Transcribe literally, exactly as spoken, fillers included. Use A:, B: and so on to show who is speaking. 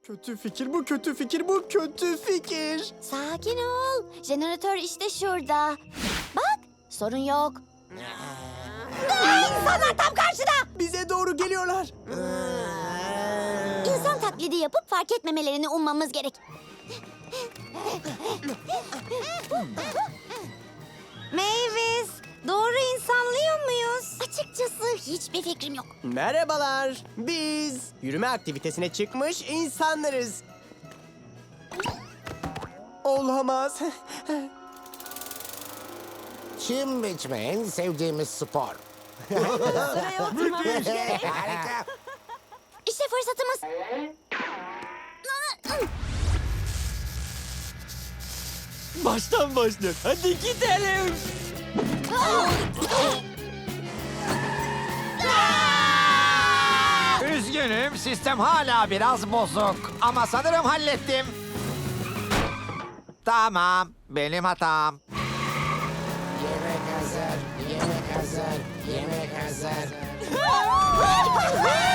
A: Kötü fikir bu, kötü fikir bu, kötü fikir.
B: Sakin ol. Jeneratör işte şurada. Bak, sorun yok. Aa, insanlar tam karşıda.
A: Bize doğru geliyorlar.
B: İnsan taklidi yapıp fark etmemelerini ummamız gerek. Mavis, doğru insanlıyor muyuz? Açıkçası hiçbir fikrim yok.
A: Merhabalar. Biz yürüme aktivitesine çıkmış insanlarız. Olamaz.
C: Çim biçme en sevdiğimiz spor.
B: Sıraya oturmamız gerek.
C: Harika.
B: İşte fırsatımız.
A: Baştan başlıyor. Hadi gidelim.
D: Üzgünüm, sistem hala biraz bozuk. Ama sanırım hallettim. Tamam, benim hatam.
C: Yemek hazır, yemek hazır, yemek hazır.